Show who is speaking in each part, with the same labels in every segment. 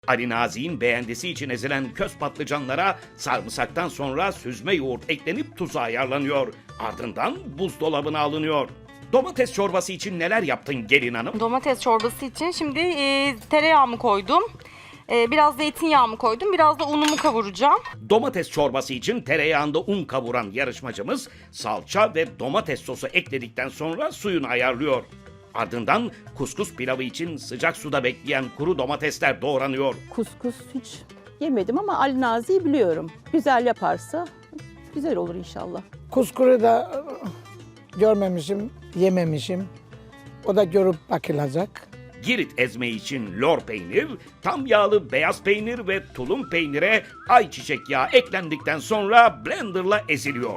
Speaker 1: Ali Nazi'nin beğendisi için ezilen köz patlıcanlara sarımsaktan sonra süzme yoğurt eklenip tuzu ayarlanıyor. Ardından buzdolabına alınıyor. Domates çorbası için neler yaptın gelin hanım?
Speaker 2: Domates çorbası için şimdi tereyağımı koydum. Biraz zeytinyağımı koydum. Biraz da unumu kavuracağım.
Speaker 1: Domates çorbası için tereyağında un kavuran yarışmacımız salça ve domates sosu ekledikten sonra suyunu ayarlıyor. Ardından kuskus pilavı için sıcak suda bekleyen kuru domatesler doğranıyor.
Speaker 3: Kuskus hiç yemedim ama Ali Nazi'yi biliyorum. Güzel yaparsa güzel olur inşallah.
Speaker 4: Kuskuru da görmemişim, yememişim. O da görüp bakılacak.
Speaker 1: Girit ezme için lor peynir, tam yağlı beyaz peynir ve tulum peynire ayçiçek yağı eklendikten sonra blenderla eziliyor.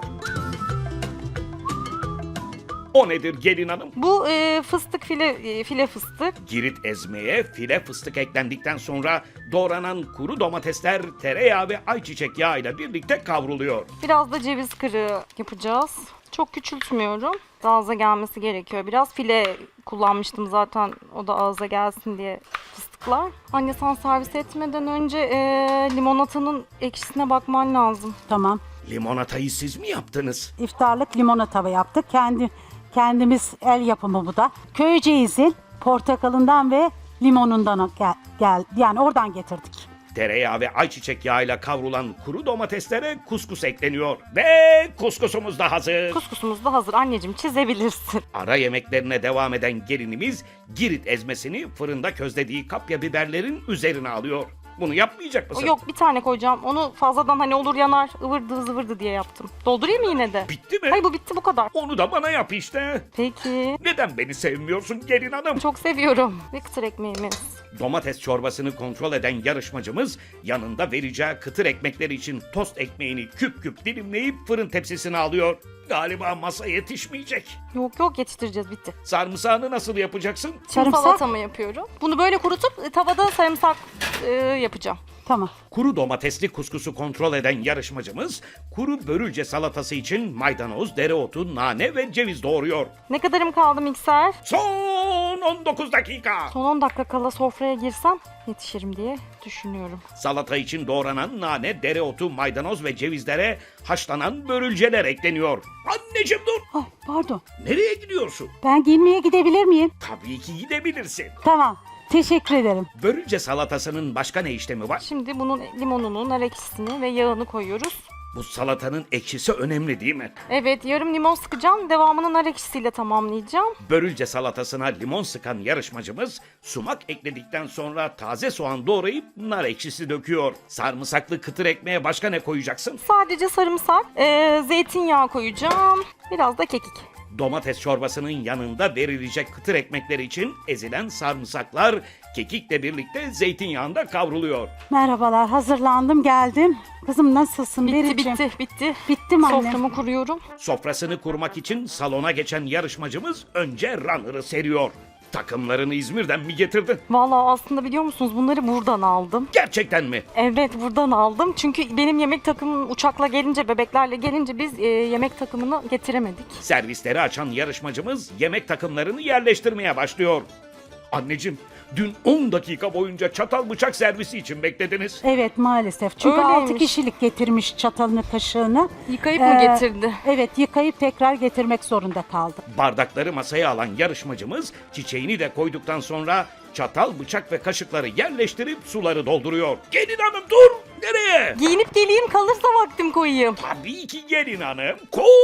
Speaker 1: O nedir gelin hanım?
Speaker 2: Bu fıstık file fıstık.
Speaker 1: Girit ezmeye file fıstık eklendikten sonra doğranan kuru domatesler tereyağı ve ayçiçek yağı ile birlikte kavruluyor.
Speaker 2: Biraz da ceviz kırığı yapacağız. Çok küçültmüyorum. Ağza gelmesi gerekiyor. Biraz file kullanmıştım zaten, o da ağza gelsin diye fıstıklar. Anne sen servis etmeden önce limonatanın ekşisine bakman lazım.
Speaker 5: Tamam.
Speaker 1: Limonatayı siz mi yaptınız?
Speaker 5: İftarlık limonata yaptık. Kendimiz el yapımı bu da. Köyceğiz'in portakalından ve limonundan yani oradan getirdik.
Speaker 1: Tereyağı ve ayçiçek yağıyla kavrulan kuru domateslere kuskus ekleniyor. Ve kuskusumuz da hazır.
Speaker 2: Kuskusumuz da hazır anneciğim, çizebilirsin.
Speaker 1: Ara yemeklerine devam eden gelinimiz Girit ezmesini fırında közlediği kapya biberlerin üzerine alıyor. Bunu yapmayacak mısın?
Speaker 2: Yok, bir tane koyacağım. Onu fazladan hani olur yanar, ıvırdı zıvırdı diye yaptım. Doldurayım mı yine de?
Speaker 1: Bitti mi?
Speaker 2: Hayır, bu bitti, bu kadar.
Speaker 1: Onu da bana yap işte.
Speaker 2: Peki.
Speaker 1: Neden beni sevmiyorsun gelin hanım?
Speaker 2: Çok seviyorum. Ve kıtır ekmeğimiz.
Speaker 1: Domates çorbasını kontrol eden yarışmacımız yanında vereceği kıtır ekmekler için tost ekmeğini küp küp dilimleyip fırın tepsisine alıyor. Galiba masa yetişmeyecek.
Speaker 2: Yok yetiştireceğiz, bitti.
Speaker 1: Sarımsağını nasıl yapacaksın?
Speaker 2: Şimdi
Speaker 5: Sarımsak?
Speaker 2: salatamı yapıyorum. Bunu böyle kurutup tavada sarımsak yapacağım.
Speaker 5: Tamam.
Speaker 1: Kuru domatesli kuskusu kontrol eden yarışmacımız kuru börülce salatası için maydanoz, dereotu, nane ve ceviz doğuruyor.
Speaker 2: Ne kadarım kaldı mikser?
Speaker 1: Son 19 dakika.
Speaker 2: Son 10 dakika kala sofraya girsem yetişirim diye düşünüyorum.
Speaker 1: Salata için doğranan nane, dereotu, maydanoz ve cevizlere haşlanan börülceler ekleniyor. Anneciğim dur.
Speaker 5: Ay, pardon.
Speaker 1: Nereye gidiyorsun?
Speaker 5: Ben giyinmeye gidebilir miyim?
Speaker 1: Tabii ki gidebilirsin.
Speaker 5: Tamam. Teşekkür ederim.
Speaker 1: Börülce salatasının başka ne işlemi var?
Speaker 2: Şimdi bunun limonunu, nar ekşisini ve yağını koyuyoruz.
Speaker 1: Bu salatanın ekşisi önemli değil mi?
Speaker 2: Evet, yarım limon sıkacağım. Devamını nar ekşisiyle tamamlayacağım.
Speaker 1: Börülce salatasına limon sıkan yarışmacımız sumak ekledikten sonra taze soğan doğrayıp nar ekşisi döküyor. Sarımsaklı kıtır ekmeğe başka ne koyacaksın?
Speaker 2: Sadece sarımsak, zeytinyağı koyacağım. Biraz da kekik.
Speaker 1: Domates çorbasının yanında verilecek kıtır ekmekler için ezilen sarımsaklar kekikle birlikte zeytinyağında kavruluyor.
Speaker 5: Merhabalar. Hazırlandım, geldim. Kızım nasılsın? Bericim?
Speaker 2: Bitti.
Speaker 5: Bitti mi anne?
Speaker 2: Soframı kuruyorum.
Speaker 1: Sofrasını kurmak için salona geçen yarışmacımız önce runner'ı seriyor. Takımlarını İzmir'den mi getirdin?
Speaker 2: Vallahi aslında biliyor musunuz, bunları buradan aldım.
Speaker 1: Gerçekten mi?
Speaker 2: Evet, buradan aldım. Çünkü benim yemek takımım uçakla gelince, bebeklerle gelince biz yemek takımını getiremedik.
Speaker 1: Servisleri açan yarışmacımız yemek takımlarını yerleştirmeye başlıyor. Anneciğim, dün 10 dakika boyunca çatal bıçak servisi için beklediniz.
Speaker 5: Evet, maalesef. Çünkü
Speaker 2: Öyleymiş.
Speaker 5: 6 kişilik getirmiş çatalını, kaşığını.
Speaker 2: Yıkayıp mı getirdi?
Speaker 5: Evet, yıkayıp tekrar getirmek zorunda kaldı.
Speaker 1: Bardakları masaya alan yarışmacımız çiçeğini de koyduktan sonra çatal, bıçak ve kaşıkları yerleştirip suları dolduruyor. Gelin hanım dur! Nereye?
Speaker 2: Giyinip geleyim, kalırsa vaktim koyayım.
Speaker 1: Tabii ki gelin hanım.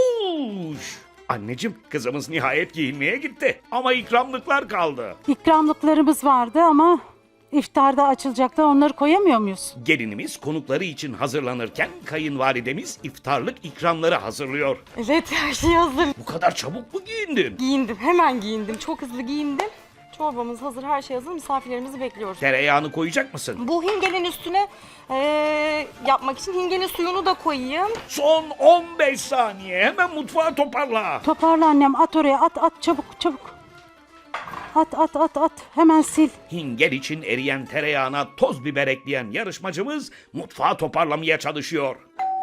Speaker 1: Koş! Anneciğim, kızımız nihayet giyinmeye gitti. Ama ikramlıklar kaldı.
Speaker 5: İkramlıklarımız vardı ama iftarda açılacaktı. Onları koyamıyor muyuz?
Speaker 1: Gelinimiz konukları için hazırlanırken kayınvalidemiz iftarlık ikramları hazırlıyor.
Speaker 2: Evet, her şey hazır.
Speaker 1: Bu kadar çabuk mu giyindin?
Speaker 2: Giyindim, hemen giyindim. Çok hızlı giyindim. Çorbamız hazır, her şey hazır. Misafirlerimizi bekliyoruz.
Speaker 1: Tereyağını koyacak mısın?
Speaker 2: Bu hingenin üstüne yapmak için hingenin suyunu da koyayım.
Speaker 1: Son 15 saniye. Hemen mutfağı toparla.
Speaker 5: Toparla annem, at oraya, at çabuk. At. Hemen sil.
Speaker 1: Hingel için eriyen tereyağına toz biber ekleyen yarışmacımız mutfağı toparlamaya çalışıyor.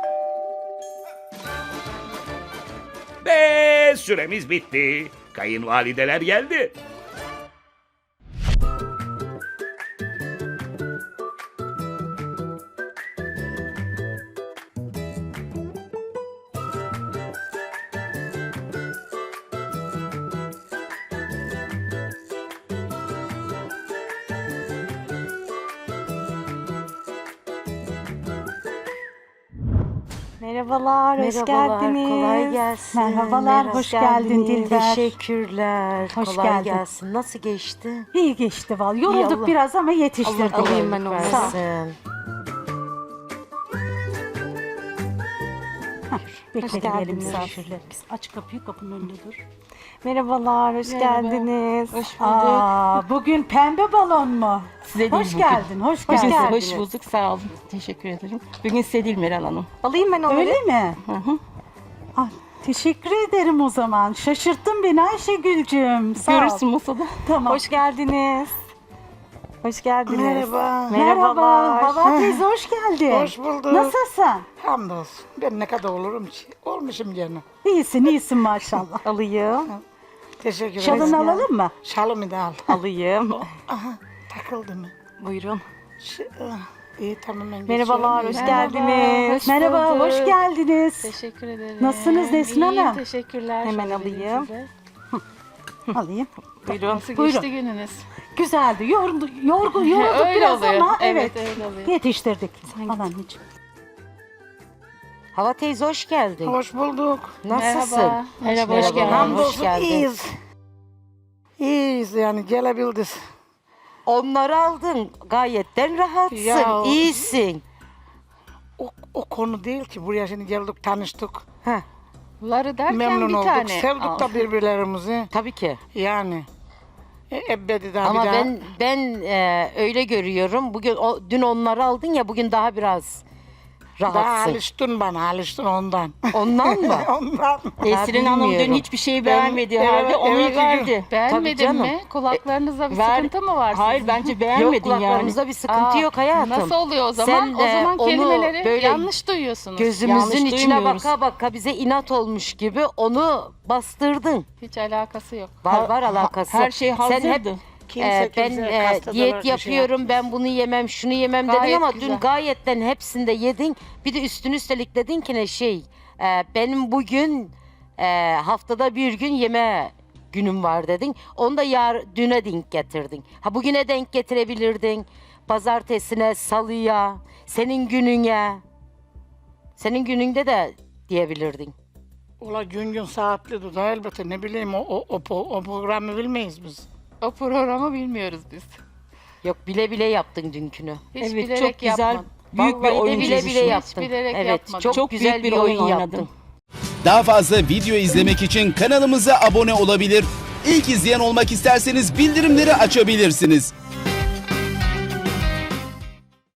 Speaker 1: Ve süremiz bitti. Kayınvalideler geldi.
Speaker 2: Merhabalar, hoş geldiniz.
Speaker 6: Kolay gelsin.
Speaker 5: Merhabalar, hoş geldin Dilber.
Speaker 6: Teşekkürler.
Speaker 5: Hoş
Speaker 6: kolay
Speaker 5: geldin.
Speaker 6: gelsin. Nasıl geçti?
Speaker 5: İyi geçti vallahi. Yorulduk
Speaker 6: Allah-
Speaker 5: biraz ama yetiştirdik.
Speaker 2: Alayım ben onu.
Speaker 5: Sağ ol.
Speaker 6: Versin.
Speaker 5: Bekleyelim
Speaker 2: geldiniz.
Speaker 5: misafirlerimiz. Aç kapıyı, kapının önünde dur.
Speaker 2: Merhabalar, hoş geldiniz. Hoş
Speaker 5: Bugün pembe balon mu?
Speaker 7: Size
Speaker 5: Hoş
Speaker 7: değil
Speaker 5: geldin, hoş
Speaker 2: Hoş
Speaker 5: geldin.
Speaker 2: geldiniz.
Speaker 7: Hoş bulduk, sağ olun. Teşekkür ederim. Bugün size değil Meral Hanım.
Speaker 2: Alayım ben onları.
Speaker 5: Öyle mi? Ah, teşekkür ederim o zaman. Şaşırttın beni Ayşegül'cüm. Sağ ol.
Speaker 7: Görürsün masada.
Speaker 5: Tamam.
Speaker 2: Hoş geldiniz. Hoş geldiniz.
Speaker 4: Merhaba.
Speaker 5: Merhaba.
Speaker 2: Merhabalar.
Speaker 5: Hava teyze hoş geldin.
Speaker 4: Hoş bulduk.
Speaker 5: Nasılsın?
Speaker 4: Hamdolsun. Ben ne kadar olurum ki? Olmuşum canım.
Speaker 5: İyisin maşallah.
Speaker 2: Alayım.
Speaker 4: Teşekkür ederim.
Speaker 5: Şalını alalım mı?
Speaker 4: Şalımı da al.
Speaker 2: Alayım.
Speaker 4: Aha, takıldı mı?
Speaker 2: Buyurun.
Speaker 4: İyi tamam ben
Speaker 2: Merhabalar, hoş
Speaker 4: geçiyorum.
Speaker 2: geldiniz.
Speaker 5: Merhaba, hoş geldiniz.
Speaker 8: Teşekkür ederim.
Speaker 5: Nasılsınız Nesin
Speaker 8: İyiyim,
Speaker 5: Hanım?
Speaker 8: teşekkürler.
Speaker 2: Hemen
Speaker 8: Şöyle
Speaker 2: alayım.
Speaker 8: vereyim size.
Speaker 5: Alayım.
Speaker 2: Buyurun.
Speaker 8: Nasıl
Speaker 5: Buyurun.
Speaker 8: geçti gününüz?
Speaker 5: Güzeldi. Yorulduk
Speaker 8: Öyle
Speaker 5: biraz
Speaker 8: oluyor.
Speaker 5: ama
Speaker 8: Evet,
Speaker 5: evet.
Speaker 8: öyle oluyor.
Speaker 5: Yetiştirdik. Al anneciğim.
Speaker 6: Hava teyze hoş geldin.
Speaker 4: Hoş bulduk.
Speaker 6: Nasılsın?
Speaker 8: Merhaba. Merhaba, hoş geldin.
Speaker 4: Hamdolsun
Speaker 6: geldin.
Speaker 4: iyiyiz. İyiyiz yani gelebildik.
Speaker 6: Onları aldın. Gayetten rahatsın.
Speaker 4: Ya.
Speaker 6: İyisin.
Speaker 4: O konu değil ki. Buraya şimdi geldik tanıştık.
Speaker 6: Heh,
Speaker 8: Ları derken
Speaker 4: Memnun
Speaker 8: bir
Speaker 4: olduk.
Speaker 8: tane.
Speaker 4: Sevdik
Speaker 8: al.
Speaker 4: da birbirlerimizi.
Speaker 6: tabii ki.
Speaker 4: Yani. Ebedi daha
Speaker 6: Ama
Speaker 4: bir daha.
Speaker 6: ben öyle görüyorum. Dün onları aldın ya, bugün daha biraz
Speaker 4: Daha
Speaker 6: rahatsın.
Speaker 4: alıştın bana, alıştın ondan.
Speaker 6: Ondan mı?
Speaker 4: Ondan.
Speaker 7: Nesrin Hanım dün
Speaker 6: bilmiyorum.
Speaker 7: hiçbir şey beğenmediği halde
Speaker 4: evet,
Speaker 7: onu
Speaker 4: evet,
Speaker 7: verdi.
Speaker 8: Beğenmedin
Speaker 6: canım.
Speaker 8: mi? Kulaklarınızda bir
Speaker 7: Ver-
Speaker 8: sıkıntı mı var
Speaker 7: Hayır
Speaker 8: sizin?
Speaker 7: bence
Speaker 6: Yok,
Speaker 7: beğenmedin yani.
Speaker 6: kulaklarımızda bir sıkıntı
Speaker 8: Aa,
Speaker 6: yok hayatım.
Speaker 8: Nasıl oluyor o zaman?
Speaker 6: Sen,
Speaker 8: O zaman
Speaker 6: onu
Speaker 8: kelimeleri
Speaker 6: böyle
Speaker 8: yanlış duyuyorsunuz.
Speaker 6: Gözümüzün
Speaker 7: Yanlış
Speaker 6: içine
Speaker 7: duymuyoruz.
Speaker 6: baka baka bize inat olmuş gibi onu bastırdın.
Speaker 8: Hiç alakası yok.
Speaker 6: Var alakası.
Speaker 7: Her şey
Speaker 6: Sen hep
Speaker 7: hazırdı.
Speaker 6: ben
Speaker 4: kastalar
Speaker 6: diyet
Speaker 4: bir şey
Speaker 6: yapıyorum, ben bunu yemem, şunu yemem dedin
Speaker 8: Gayet
Speaker 6: ama
Speaker 8: güzel.
Speaker 6: dün gayetten hepsinde yedin. Bir de üstelik dedin ki ne benim bugün haftada bir gün yeme günüm var dedin. Onu da düne denk getirdin. Ha bugüne denk getirebilirdin. Pazartesine, salıya, senin gününe. Senin gününde de diyebilirdin.
Speaker 4: Ola gün saatli de elbette ne bileyim o programı bilmeyiz biz.
Speaker 8: O programı bilmiyoruz biz.
Speaker 6: Yok bile yaptın dünkünü.
Speaker 8: Hiç
Speaker 7: Evet,
Speaker 8: bilerek
Speaker 7: çok güzel.
Speaker 8: yapmadım.
Speaker 7: Büyük bir
Speaker 6: Vallahi de
Speaker 7: oyun
Speaker 6: bile
Speaker 7: çizişi.
Speaker 6: yaptın.
Speaker 8: Hiç bilerek
Speaker 6: evet,
Speaker 8: yapmadım.
Speaker 6: çok
Speaker 7: büyük
Speaker 6: güzel
Speaker 7: bir
Speaker 6: bir oyun
Speaker 7: oyun
Speaker 6: yaptın.
Speaker 7: oynadın.
Speaker 9: Daha fazla video izlemek için kanalımıza abone olabilir. İlk izleyen olmak isterseniz bildirimleri açabilirsiniz.